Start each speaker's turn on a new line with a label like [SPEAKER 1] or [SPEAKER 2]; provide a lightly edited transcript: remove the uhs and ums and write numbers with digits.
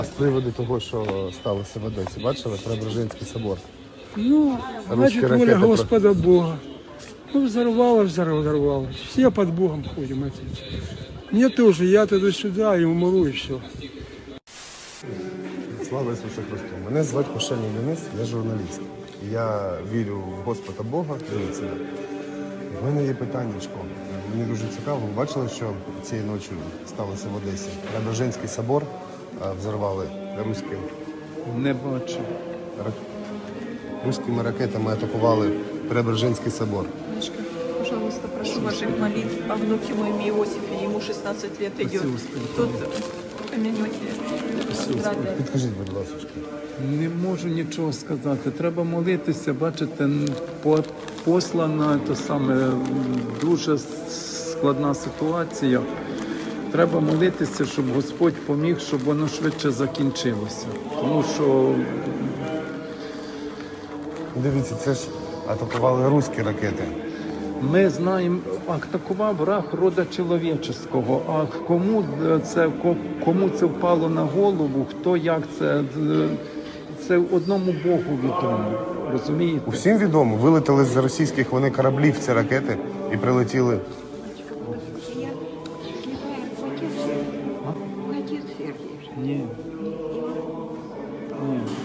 [SPEAKER 1] З приводу того, що сталося в Одесі, бачили? Преображенський собор.
[SPEAKER 2] Ну, значит, воля Господа Бога. Ну, взорвалось. Все под Богом ходим, отец. Мне тоже, я туда-сюда и умру, и все.
[SPEAKER 1] Слава Ісусу Христу! Мене звати Кошельний Денис, я журналіст. Я вірю в Господа Бога. Дивіться. В мене є питаннячко. Мені дуже цікаво. Ви бачили, що цієї ночі сталося в Одесі? Преображенський собор взорвали руським.
[SPEAKER 3] Не бачу.
[SPEAKER 1] Руськими ракетами атакували Преображенський собор.
[SPEAKER 4] Пожалуйста, прошу ваших молитв о внуке моем Иосифе, ему 16 лет идет. Тут помянете здравия.
[SPEAKER 1] Підкажіть, будь ласка.
[SPEAKER 3] Не можу нічого сказати. Треба молитися, бачите, послана то саме дуже складна ситуація. Треба молитися, щоб Господь поміг, щоб воно швидше закінчилося. Тому що
[SPEAKER 1] Дивіться, це ж атакували руські ракети.
[SPEAKER 3] ми знаємо, атакував враг рода чоловічого, а кому це впало на голову, хто як це одному Богу відомо, розумієте?
[SPEAKER 1] Усім відомо, вилетіли з російських вони кораблів ці ракети і прилетіли.
[SPEAKER 3] Ні. Ні.